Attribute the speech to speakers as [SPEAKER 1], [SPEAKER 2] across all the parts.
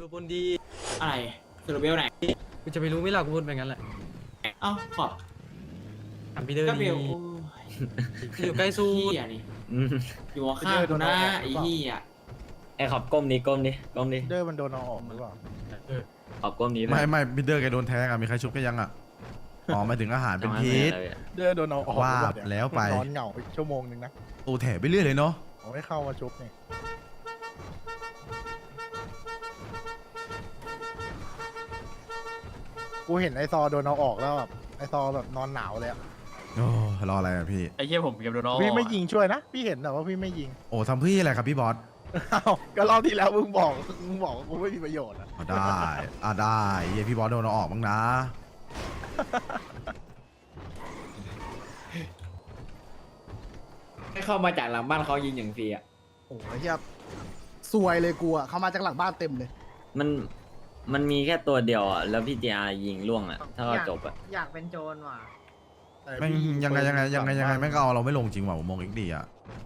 [SPEAKER 1] บนดี
[SPEAKER 2] อะไรสรุปเบลไหน
[SPEAKER 1] กูจะไปรู้ไหมล่ะกูพูดไปงั้นแหละ
[SPEAKER 2] เอ้าขอบ
[SPEAKER 1] ถามพี่เดอร์
[SPEAKER 2] ก็เบ
[SPEAKER 1] ดี
[SPEAKER 2] ล
[SPEAKER 1] อยู่ใกล้สู้
[SPEAKER 2] เฮียนี่อยู่ข้างกูนะไอ้เฮีย
[SPEAKER 3] ไอ้ขอบก้มนี้ก้มนี้ก้มนี้
[SPEAKER 4] เดอร์มันโดนเอาออกหรือเปล่า
[SPEAKER 3] ขอบก้มนี้
[SPEAKER 5] ไม่บิดเดอร์แกโดนแทงอะมีใครชุบก็ยังอะอ๋อหมายถึงอาหารเป็นพิษ
[SPEAKER 4] เดอร์โดนเอาออก
[SPEAKER 5] ว่า
[SPEAKER 4] หรือเปล่เนี่ย
[SPEAKER 5] แล้วไป
[SPEAKER 4] นอนเหงาไปชั่วโมงนึงนะ
[SPEAKER 5] ตูแถไปเรื่อยเลยเนาะ
[SPEAKER 4] ผมไม่เข้ามาชุบนี่กูเห็นไอซอโดนเอาออกแล้วแบบไอซอแบบนอนหนาวเลยอะ
[SPEAKER 5] โอ้รออะไรอะพี่
[SPEAKER 6] ไอ้เหี้ยผมเก็บโดนอ
[SPEAKER 4] พี่ไม่ยิงช่วยนะพี่เห็นแต่ว่าพี่ไม่ยิง
[SPEAKER 5] โอ้ทำเพื่ออะไรครับพี่บอส
[SPEAKER 4] อ้าวก็รอบที่แล้วมึงบอกว่ากูไม่มีประโยชน์อะ
[SPEAKER 5] อ๋อได้ได้เหี้ยพี่บอสโดนเอาออกบ้างนะ
[SPEAKER 3] ให้เข้ามาจากหลังบ้านเขายิงอย่างฟรีอ่ะ
[SPEAKER 7] โอ้ยเฮียซวยเลยกูอ่ะเขามาจากหลังบ้านเต็มเลย
[SPEAKER 3] มันมีแค่ตัวเดียวอ่ะแล้วพี่จีอายิงล่วงอ่ะถ้าเราจบอ่ะ
[SPEAKER 8] อยากเป็นโจรว่ะ
[SPEAKER 4] แต่
[SPEAKER 5] แม่ง
[SPEAKER 4] พี่
[SPEAKER 5] ยังไงแม่งก็เอาเราไม่ลงจริงว่ะผมมองอีกดีอะ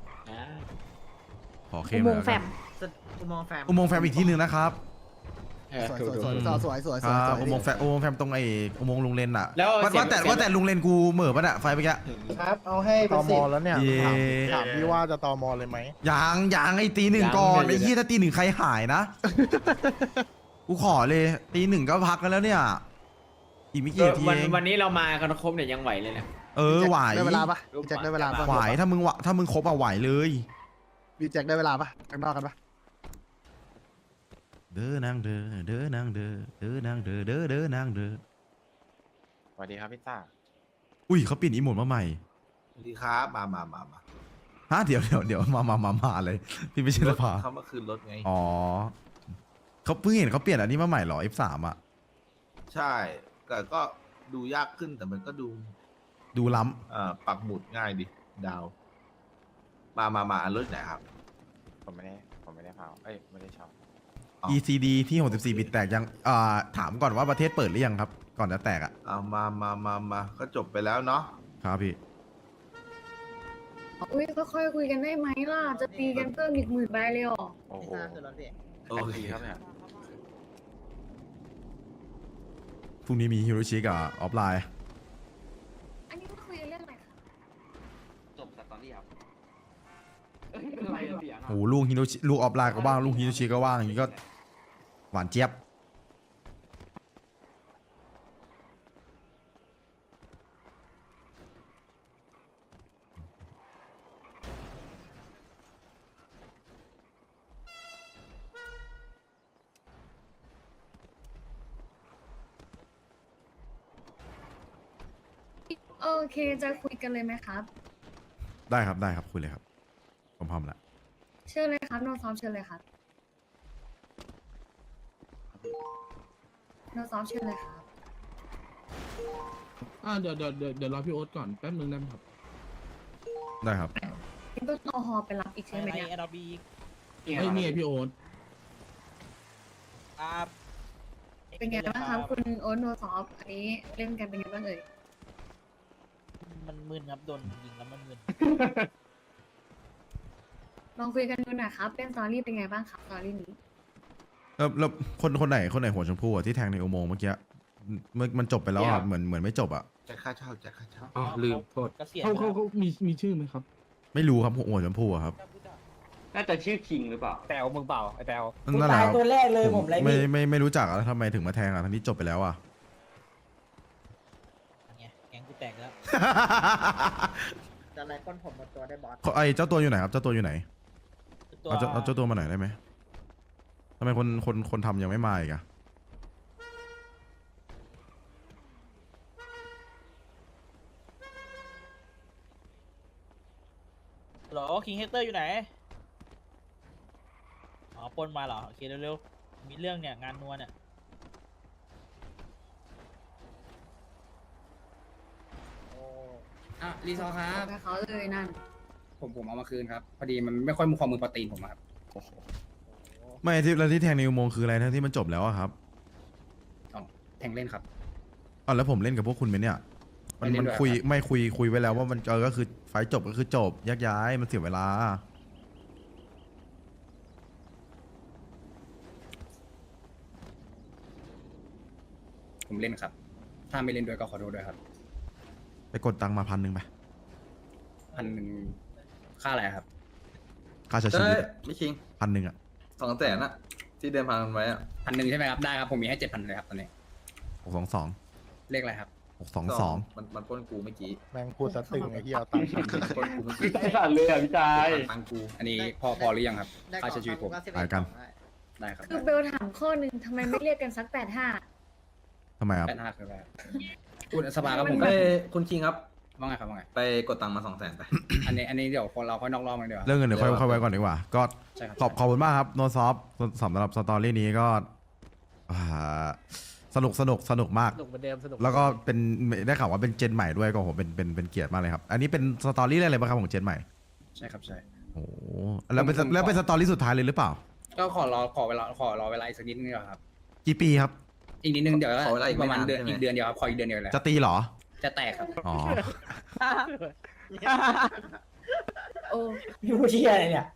[SPEAKER 5] ขอเข้ม
[SPEAKER 9] อุโม
[SPEAKER 5] เลย
[SPEAKER 9] งค์แฟ
[SPEAKER 5] กัน
[SPEAKER 9] ม
[SPEAKER 8] อุโมงค์แฟม
[SPEAKER 5] อุโมงค์แฟมอีกที่หนึ่งนะครับ
[SPEAKER 7] สวยสวยสวยสวยสวย
[SPEAKER 5] ค
[SPEAKER 7] สวย
[SPEAKER 5] รับ
[SPEAKER 7] สวย
[SPEAKER 5] อุโมงค์แฟมตรงไอ้อุโมงค์ลุงเลนอะ
[SPEAKER 3] แล้ว
[SPEAKER 5] ว่าแต่ลุงเลนกูเหม่อปะเนี่ยไฟไปแก
[SPEAKER 7] ครับเอาให้
[SPEAKER 4] ต
[SPEAKER 7] เป็น
[SPEAKER 4] อม
[SPEAKER 7] สิ
[SPEAKER 4] อบ แล้วเนี่ย
[SPEAKER 5] เย้
[SPEAKER 4] ถามพี่ว่าจะตอมอเลยไหม
[SPEAKER 5] ยังไอ้ตีหนึ่งก่อนไอ้เหี้ยถ้าตีหนึ่งใครหายนะ กูขอเลยตีหนึ่งก็พักกันแล้วเนี่ย อีกไม่กี่นาทีเอง
[SPEAKER 3] วันนี้เรามากันครบเนี่ยยังไหวเลยเนี่ย
[SPEAKER 5] ไหว
[SPEAKER 7] ได้เวลาปะพี่แจ็คได้เวลาปะ
[SPEAKER 5] ไหวถ้ามึงครบอะไหวเลย
[SPEAKER 7] พี่แจ็คได้เวลาปะข้างนอกกันปะ
[SPEAKER 5] เด้อนางเด้อเด้อนางเด้อเด้อนางเด้อเด้อเด้อนางเด้อ
[SPEAKER 6] สวัสดีครับพี่ต้า
[SPEAKER 5] อุ้ยเขาเปลี่ยนอีโมดมาใหม่
[SPEAKER 10] สวัสดีครับมา
[SPEAKER 5] ฮะเดี๋ยวมาเลยพี่ไม่ใช่สภา
[SPEAKER 10] เขามาคืนรถไง
[SPEAKER 5] อ๋อเขาเพิ่งเห็นเขาเปลี่ยนอันนี้มาใหม่เหรอ F3 อ่ะ
[SPEAKER 10] ใช่แต่ก็ดูยากขึ้นแต่มันก็ดู
[SPEAKER 5] ดูล้
[SPEAKER 10] ปักหมุดง่ายดิดาว มาอันรถไหนครับ
[SPEAKER 6] ผมไม่ได้เผาเอ้ยไม่ได้เช่า
[SPEAKER 5] ำ ECD ที่64บิตแตกยังถามก่อนว่าประเทศเปิดหรือยังครับ ก่อนจะแตกอ่ะ
[SPEAKER 10] เอามาก็จบไปแล้วเนาะ
[SPEAKER 5] ครับพี่
[SPEAKER 9] อุ้ยค่อยๆคุยกันได้ไหมล่ะ จะตีกันเพิ่มอีก10,000 ใบเลยเหรอ
[SPEAKER 6] โอ้โห
[SPEAKER 10] โอเค
[SPEAKER 6] ดีครับเนี่ย
[SPEAKER 5] พรุ่งนี้มีฮิโรชิกับออฟไลน์
[SPEAKER 9] อันนี้คุยกันเรื่องอะไรคะ
[SPEAKER 3] จบสตอรี่ครับ
[SPEAKER 5] โอ้โหลูกฮิโรชิลูกออฟไลน์ก็ว่างลูกฮิโรชิก็ว่างอย่างนี้ก็หวานเจี๊ยบ
[SPEAKER 9] โอเคจะคุยกันเลยไหมครับ
[SPEAKER 5] ได้ครับคุยเลยครับผมพร้อมแล้ว
[SPEAKER 9] เชิญเลยครับโนซ้อมเชิญเลยครับโนซ้อมเชิญเลยครับ
[SPEAKER 11] เดี๋ยวรอพี่โอ๊ตก่อนแป๊บนึงได้ไหมครับ
[SPEAKER 5] ได้ครับ
[SPEAKER 9] นี่ต้องเอาฮอไปรับอีกใช่ไหมเนี่ย
[SPEAKER 11] ไอ้ยนี่ไงพี่โอ๊ต
[SPEAKER 9] เป็นไงบ้างครับคุณโอ๊ตโนซ้อมอันนี้เล่นกันเป็นไงบ้างเอ่ย
[SPEAKER 8] มันมึนครับโดนยิงแล้วมันมึน
[SPEAKER 9] ลองคุยกันดูหน่อยครับเป็นสตอรี่เป็นไงบ้างครับสตอรี่นี้
[SPEAKER 5] แล้วคนไหนหัวชมพูอะที่แทงในอุโมงค์เมื่อกี้มันจบไปแล้วอะเหมือนไม่จบอะ
[SPEAKER 10] จ่ายค่าเช่า
[SPEAKER 11] อ๋อลืมโทษเขามีชื่อไหมครับ
[SPEAKER 5] ไม่รู้ครับหัวชมพูอะครับ
[SPEAKER 3] น่าจะชื่อคิงหรือเปล่า
[SPEAKER 6] แตวมึงเปล่าไอ้แตว
[SPEAKER 5] นั่นแหละครับ
[SPEAKER 8] ตัวแรกเลยผมไร
[SPEAKER 5] ไม่รู้จักอะแล้วทำไมถึงมาแทงอะทั้งที่จบไปแล้วอะ
[SPEAKER 8] แกงกูแตกแล้ว จะอะไรก้นผมหมดตัวได้บอส
[SPEAKER 5] ไอเจ้าตัวอยู่ไหนครับเจ้าตัวอยู่ไหนเอาเจ้าตัวมาหน่อยได้ไหมทำไมคนทำยังไม่มาอีกอะ
[SPEAKER 8] หรอคิงเฮกเตอร์อยู่ไหน อ๋อปนมาเหรอ โอเคเร็วๆ มีเรื่องเนี่ยงานนัวเนี่ย
[SPEAKER 2] รีซอครับ
[SPEAKER 9] ไปเขาเลยนั่น
[SPEAKER 6] ผมเอามาคืนครับพอดีมันไม่ค่อยมีความมือโปรตีนผมครับ
[SPEAKER 5] ไม่ที่แทงในอุโมงค์คืออะไรทั้งที่มันจบแล้วอะครับ
[SPEAKER 6] แทงเล่นครับ
[SPEAKER 5] อ๋อแล้วผมเล่นกับพวกคุณไหมเนี่ยมันคุยไว้แล้วว่ามันก็คือไฟจบก็คือจบแยกย้ายมันเสียเวลา
[SPEAKER 9] โ
[SPEAKER 6] ผมเล่นครับ ถ้าไม่เล่นด้วยก็ขอโทษด้วยครับ
[SPEAKER 5] ไปกดตังค์มา1,000ไป
[SPEAKER 6] 1,000ค่าอะไรครับ
[SPEAKER 5] ค่าใช้ชีวิต
[SPEAKER 10] ไม่คิง
[SPEAKER 5] 1,000อ่ะ
[SPEAKER 10] 200,000อะที่เดินพันไว้อะ
[SPEAKER 6] 1,000ใช่ไหมครับได้ครับผมมีให้ 7,000เลยครับตอนนี้
[SPEAKER 5] 622
[SPEAKER 6] เลขอะไรครับ
[SPEAKER 5] 622
[SPEAKER 10] มันปล้นกูเมื่อกี้
[SPEAKER 4] แม่งพูดสะตึงไอ้เหี้ยเอาตังค์ฉัน
[SPEAKER 10] ปล้นกูเมื่อกี้
[SPEAKER 11] ใจสั่นเลยอ่ะพี่ชาย
[SPEAKER 10] ตังกู
[SPEAKER 6] อันนี้พอหรือยังครับค่าใช้ชีวิตผม
[SPEAKER 5] ไปกัน
[SPEAKER 6] ได้ครับ
[SPEAKER 9] คือเบลถามข้อหนึ่งทำไมไม่เรียกกันสัก85
[SPEAKER 5] ทำไมครับ
[SPEAKER 6] 85คืออะไรครับคุณสภาครับผม
[SPEAKER 9] มัน
[SPEAKER 10] คุณคิงครับ
[SPEAKER 6] ว่าไงครับว่าไง
[SPEAKER 10] ไปกดตังค์มา200,000ไป
[SPEAKER 6] อันนี้เดี๋ยวเราค่อยนอกรอบกันดีกว่า
[SPEAKER 5] เรื่องเงินเดี๋ยวค่อยไว้ก่อนดีกว่า ก็
[SPEAKER 6] ใช่ครับ
[SPEAKER 5] ขอบคุณมากครับโนซอฟสำหรับสตอรี่นี้ก็อ่าสนุกมาก
[SPEAKER 8] สนุกเหมือนเดิมสนุก
[SPEAKER 5] แล้วก็เป็นได้ข่าวว่าเป็นเจนใหม่ด้วยก็โหเป็นเกียรติมากเลยครับ อันนี้เป็นสตอรี่อะไรบ้างครับของเจนใหม่
[SPEAKER 6] ใช่ครับใช่
[SPEAKER 5] โอ้โหแล้วเป็นสตอรี่สุดท้ายเลยหรือเปล่า
[SPEAKER 6] ก็ขอรอเวลาอีกสักนิดนึงดีกว่าครับ
[SPEAKER 5] กี่ปีครับ
[SPEAKER 6] อีกนิดนึงเดี๋ยว
[SPEAKER 10] ขอเวลาอีก
[SPEAKER 6] ป
[SPEAKER 10] ไม่
[SPEAKER 6] ระมาณ
[SPEAKER 10] นาน
[SPEAKER 6] เดือน
[SPEAKER 10] ใช่ไหม
[SPEAKER 6] อีกเดือนเดียวครับขออีกเดือนเดียวเลย
[SPEAKER 5] จะตีเหรอ
[SPEAKER 6] จะแตกครับ
[SPEAKER 5] อ๋อ
[SPEAKER 9] โอ้
[SPEAKER 8] ยูเชียอะไรเนี่ย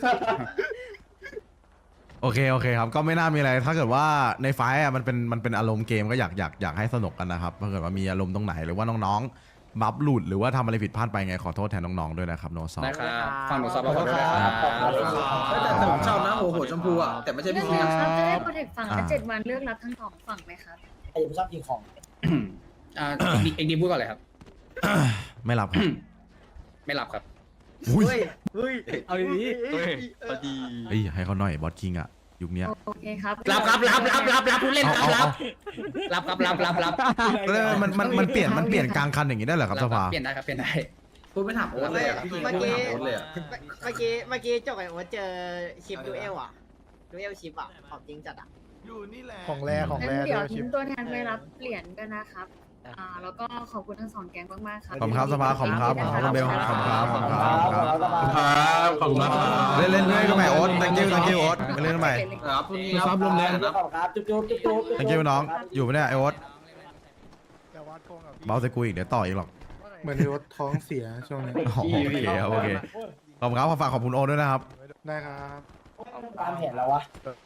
[SPEAKER 5] โอเคครับ ก็ไม่น่ามีอะไร ถ้าเกิดว่าในไฟล์อะมันเป็นอารมณ์เกมก็อยากให้สนุกกันนะครับถ้าเกิดว่ามีอารมณ์ตรงไหนหรือว่าน้องๆบัฟหลุดหรือว่าทำอะไรผิดพลาดไปไงขอโทษแทนน้องๆด้วยนะครับโนซอฟ
[SPEAKER 6] ได้ครับฟังหนูสอบขอโทษด้วยครับ
[SPEAKER 10] แต่ผมชอบนะหัวชมพูอะแต่ไม่ใช่
[SPEAKER 9] เรื่
[SPEAKER 10] พี่
[SPEAKER 9] อง
[SPEAKER 10] คิง
[SPEAKER 9] นี้
[SPEAKER 10] นะ
[SPEAKER 9] ครับจะได้โปรเทคฝั่งละ7 วันเลือกรับทั้งสองฝั่งไหมครับ
[SPEAKER 8] ไอ้ผมชอบกินของ
[SPEAKER 6] เอ็กดีพูดก่อนเลยครับ
[SPEAKER 5] ไม่รับครับ
[SPEAKER 6] ไม่รับครับ
[SPEAKER 5] อุ้ย
[SPEAKER 1] เอาดี
[SPEAKER 5] เฮ้ยให้เขาหน่อยบอสคิงอะยุคเนี้ย
[SPEAKER 9] โอเคครับ
[SPEAKER 6] รับผู้เล่นครับ
[SPEAKER 5] เอา
[SPEAKER 6] รับ
[SPEAKER 5] แล้วมันเปลี่ยนกลางคันอย่างนี้ได้เหรอครับสภา
[SPEAKER 6] เปลี่ยนได้ครับเปลี่ยนได้
[SPEAKER 10] พูดไม่ถามโอ๊ตเลยอะพี่คิงพูดไม่ถามโอ๊ตเลยอะ
[SPEAKER 8] เมื่อกี้จบไอ้โอ๊ตเจอชิปดูเอลอ่ะดูเอลชิปอ่ะของจริงจัดอ่ะ
[SPEAKER 10] อยู่นี่แหละ
[SPEAKER 4] ของแร
[SPEAKER 9] งั้น
[SPEAKER 4] ด้
[SPEAKER 9] เดี๋ยว
[SPEAKER 4] วยชิ
[SPEAKER 9] ทิ้
[SPEAKER 4] ป
[SPEAKER 9] งตัวแทนไปรับเหรียญกันนะครับ แล้วก็ขอบคุณทั้งสองแก๊งมากๆครับ
[SPEAKER 5] ขอบคุณครับสภาขอบคุณครับขอบคุณเบลขอบคุณครับขอบคุณครับ
[SPEAKER 10] ครับขอบคุณมากครับ
[SPEAKER 5] เล่นก็ใหม่โอ๊ต thank you โอ๊ตไปเล่นก็ใหม่
[SPEAKER 10] ครับพรุ่งนี้
[SPEAKER 11] ซับลมแรง
[SPEAKER 10] นะ
[SPEAKER 8] ครับจุ๊บ
[SPEAKER 5] thank you น้องอยู่ปะเนี่ยไอโอ๊ต
[SPEAKER 4] แต่ว่าโกงกับพี่
[SPEAKER 5] เบาใส่กูอีกเดี๋ยวต่ออีกหรอก
[SPEAKER 11] เหมือนที่ว่าท้องเสียช่วงนี้
[SPEAKER 5] โอเคครับโอเคขอบคุณครับฝากขอบคุณโอ๊ตด้วยนะครับ
[SPEAKER 11] ได้ครับ
[SPEAKER 8] ตามเห็นแล้ววะ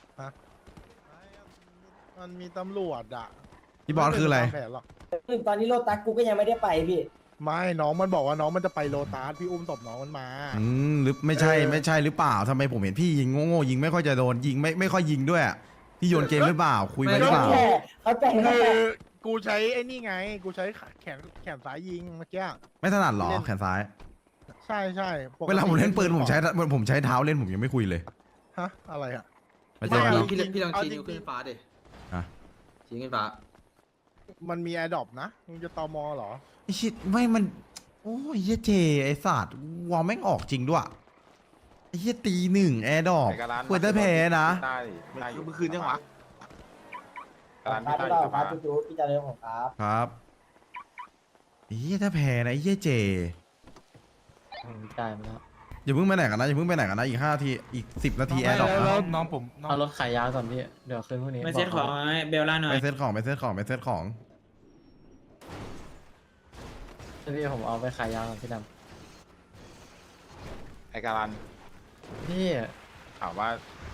[SPEAKER 4] มันมีตำรวจอ่ะ
[SPEAKER 5] พี่บอสคืออะไร
[SPEAKER 4] ม่ด้ตามแผนหรอก
[SPEAKER 8] ตอนนี้โลตัสกูก็ยังไม่ได้ไปพี่
[SPEAKER 4] ไม่น้องมันบอกว่าน้องมันจะไปโลตัสพี่อุ้มศพน้องมันมา
[SPEAKER 5] หรือไม่ใช่หรือเปล่าทำไมผมเห็นพี่ยิงโง่ๆยิงไม่ค่อยจะโดนยิงไม่ค่อยยิงด้วยอะพี่โยนเกมหรือเปล่าคุยไปหรือเปล่า
[SPEAKER 8] เขาแต่ง
[SPEAKER 4] คือกูใช้ไอ้นี่ไง กูใช้แขนซ้ายยิงเมื่อกี้
[SPEAKER 5] ไม่ถนัดหรอแขนซ้าย
[SPEAKER 4] ใช่ปกติ
[SPEAKER 5] เวลาผมเล่นปืนผมใช้เท้าเล่นผมยังไม่คุยเลย
[SPEAKER 4] ฮะอะไรอ่ะ
[SPEAKER 5] ไม่ใช่กันเนาะ
[SPEAKER 10] พี่ลองชี้นิ้วขึ้นฟ้าดิ
[SPEAKER 5] อ่ะ
[SPEAKER 10] ชี้ขึ้นฟ้า
[SPEAKER 4] มันมีแอร์ดรอปนะมึงจะตอมอเหรอ
[SPEAKER 5] ไอชิดไม่มันโอ้ยเหี้ยเจไอสัตว์วอลแม่งออกจริงด้วยไอเหี้ยตีหนึ่งแอร์ดรอปควรจะแพ้นะ
[SPEAKER 10] เมื่อคืนยังวะ
[SPEAKER 8] ครับพี่ต่อครับจุ๊บพี่จะเริ่มของครับ
[SPEAKER 5] ครับไอ้เหี้ยถ้าแพ้นะไอ้เหี้ยเจ
[SPEAKER 8] จ่ายมาแล้ว
[SPEAKER 5] อย่าเพิ่งไปไหนกันนะอย่าเพิ่งไปไหนกันนะอีก5 นาทีอีก10 นาทีแอร์ดรอปนะ
[SPEAKER 11] น้องผม
[SPEAKER 8] เอารถขายยาก่อนพี่เดี๋ยวคืนพวกนี้
[SPEAKER 2] ไม่เซ็ตของให้เบลล่าหน่อ
[SPEAKER 5] ไป
[SPEAKER 2] ย
[SPEAKER 5] เซตของ
[SPEAKER 8] พี่ผมเอาไปขายยาก่อนพี่ด
[SPEAKER 11] ไอการัน
[SPEAKER 8] ำพี่
[SPEAKER 11] ถามว่า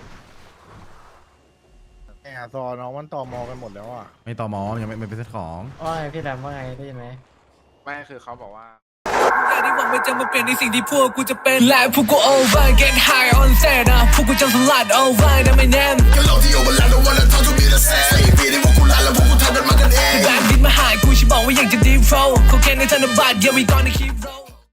[SPEAKER 4] แอร์ซอน้องมันตอมอกันหมดแล้วอ่ะ
[SPEAKER 5] ไม่ต่อมอยังไม่ไปเซตของ
[SPEAKER 8] ว่าไงพี่ดำว่าไงได้ยินไหม
[SPEAKER 11] ไม่คือเขาบอกว่า
[SPEAKER 12] ที่หวังไม่จะมาเปลี่ยนในสิ่งที่พวกกูจะเป็นและพวกกู over get high on set นะพวกกูจะสลัด over นะไม่แน่ก็โลที่ over แล้ว don't wanna talk to me the same สี่ปีที่พวกกูลาแล้วพวกกูทำกันมากันเองแบงค์ดินมาหากูฉันบอกว่าอยากจะ deep flow เขาแค่ในธนบัตร yeah we gonna keep roll